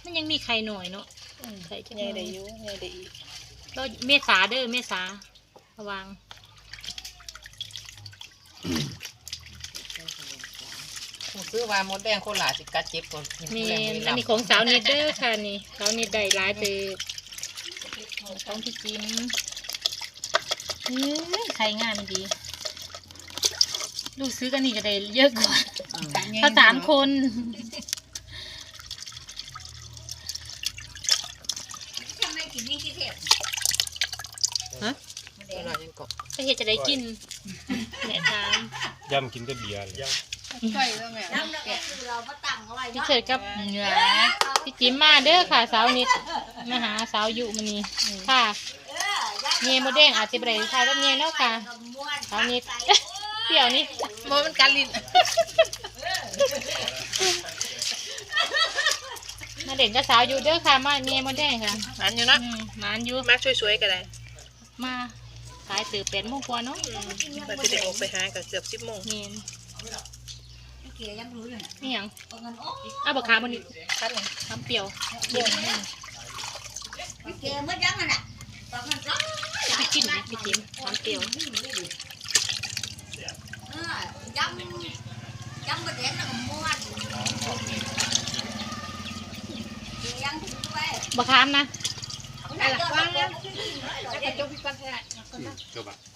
มันยังมีไข่หน่อยเนาะไข่จะไงได้อยู่ไงได้อีกก็เมษาเด้อเมษาระวังซื้อมามดแดงโคราชสิกัดเจ็บก่อนมีอันนี้ของสาวนิดเด้อค่ะนี่สาวนิดได้หลายเติบของพี่จิ๋มไข่งามดีลูกซื้อกันนี่ก็ได้เยอะกว่าถ้า3 คนฮะโคราชยังเกาะไปเฮ็ดจะได้กินแหน่ทานย่ำกินแต่เบียร์เลยใกล้แล้วแม่พี่เฉิดกับพี่จิ๋มมาเด้อค่ะสาวนิดมาหาสาวอยู่มื้อนี้ค่ะเมียโมเด้งอาจจะไปได้ทายกับเมียแล้วค่ะสาวนิดเปรี้ยวนี่โมมันกันลิ้นมาเด่นกับสาวอยู่เด้อค่ะมาเมียโมเด้งค่ะมันอยู่นะมานอยู่มาช่วยๆกันเลยมาขายตื่น8 โมงกว่าเนาะมาจะได้ออกไปหากับเกือบ10 โมงเมียนเกี่ยยังรู้อยู่เนี่ยนี่หยังเอาเงินโอ้อ้าวบักขามมันนี่คัดเลยทำเปรี้ยวเดี๋ยวเกี่ยเมื่อยังน่ะตอนนั้นร้อนพี่กินนี่พี่จิ๋มทำเปรี้ยวยำประเด็นแล้วก็ม้วนเกี่ยยังถึงไปบักขามนะนั่นแหละว่าแล้วจะกระจกพี่ปันแท้จบอ่ะ